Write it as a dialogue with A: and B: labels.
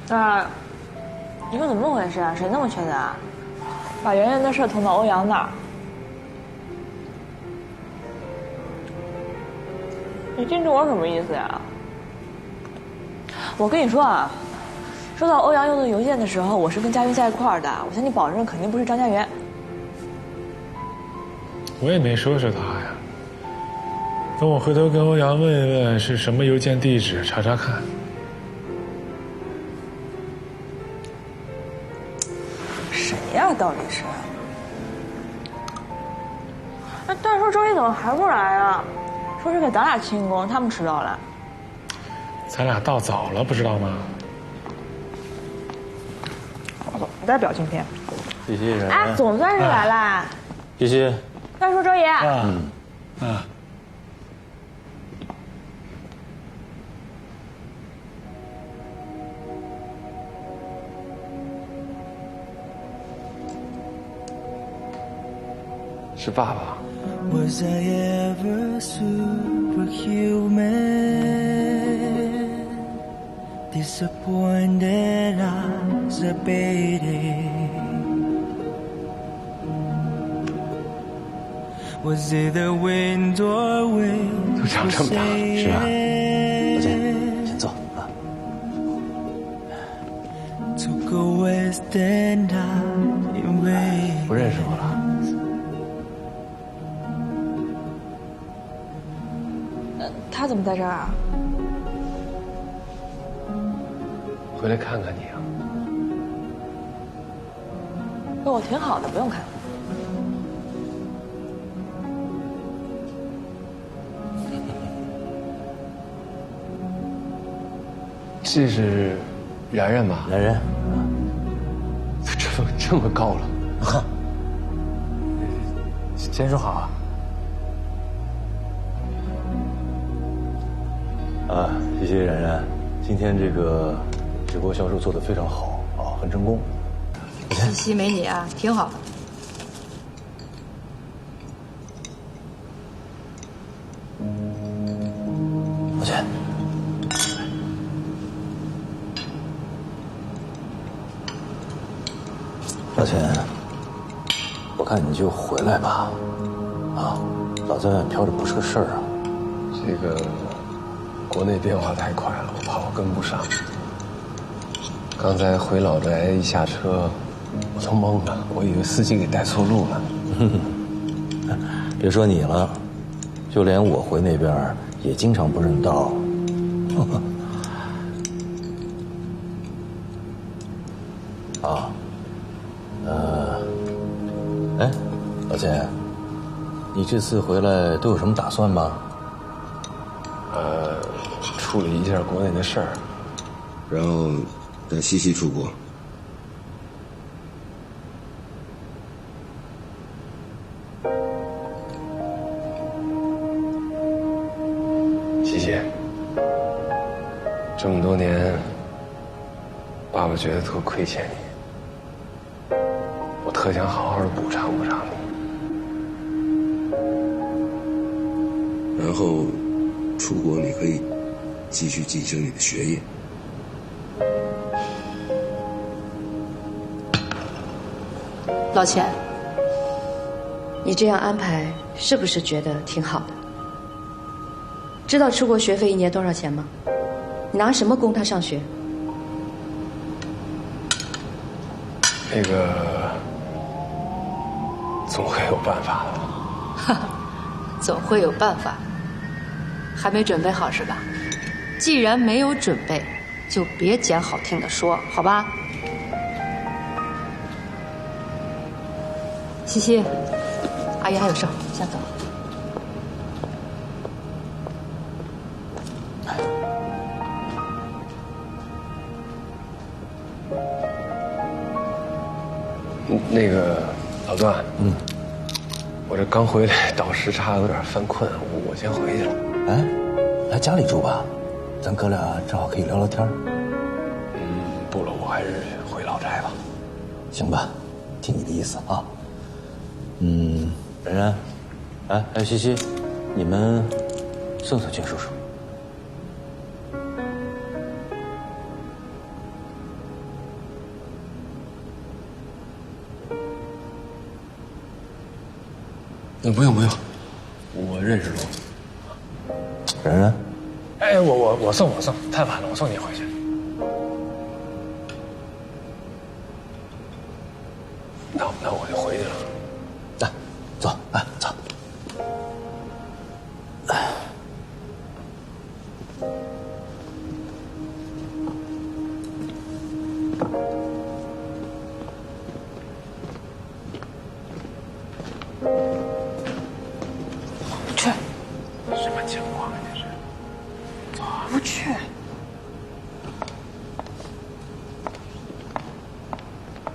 A: 那你说怎么回事啊？谁那么缺德啊？把圆圆的事捅到欧阳那儿。你盯着我什么意思呀？我跟你说啊，收到欧阳用的邮件的时候，我是跟佳云在一块儿的，我向你保证，肯定不是张家源。
B: 我也没说是他呀。等我回头跟欧阳问一问是什么邮件地址，查查看。
A: 谁呀？到底是？那但是说周一怎么还不来啊？说是给咱俩庆功，他们迟到了。
B: 咱俩到早了，不知道吗？
A: 我再表情片。
C: 西西人。
A: 哎，总算是来啦。
C: 西西。
A: 再说周爷。
C: 是爸爸。
D: Was I ever superhuman? Disappointed as a baby. Was it the wind or wind?
C: 都长这么大了，是啊。老姐，先坐啊。
D: Took a west end highway.
C: 不认识我了。
A: 他怎么在这儿啊？
C: 回来看看你啊。
A: 跟我挺好的，不用看。
C: 这是然然吧？然然，这么高了，先说好啊。谢谢然然，今天这个直播销售做得非常好啊，很成功。
E: 西西没你啊，挺好。
C: 老钱，老钱，我看你就回来吧，啊，老在外飘着不是个事儿啊。这个国内变化太快了，我怕我跟不上。刚才回老宅一下车，我都懵了，我以为司机给带错路了。别说你了，就连我回那边也经常不认道。啊，哎，老钱，你这次回来都有什么打算吗？处理一下国内的事儿，
F: 然后带西西出国。
C: 西西，这么多年，爸爸觉得特亏欠你，我特想好好的补偿补偿你。
F: 然后出国你可以继续进行你的学业。
E: 老钱，你这样安排是不是觉得挺好的？知道出国学费1年多少钱吗？你拿什么供他上学？
C: 那个，总会有办法的。
E: 哈哈，总会有办法。还没准备好是吧？既然没有准备，就别讲好听的说，好吧？西西，阿姨还有事，先走。
C: 那个老段，我这刚回来倒时差，有点犯困，我先回去了。哎，来家里住吧，咱哥俩正好可以聊聊天。不了，我还是回老宅吧。行吧，听你的意思啊。然然，哎，还有西西，你们送君叔叔。 不用，我认识路。然然，
B: 哎，我送，太晚了，我送你回去。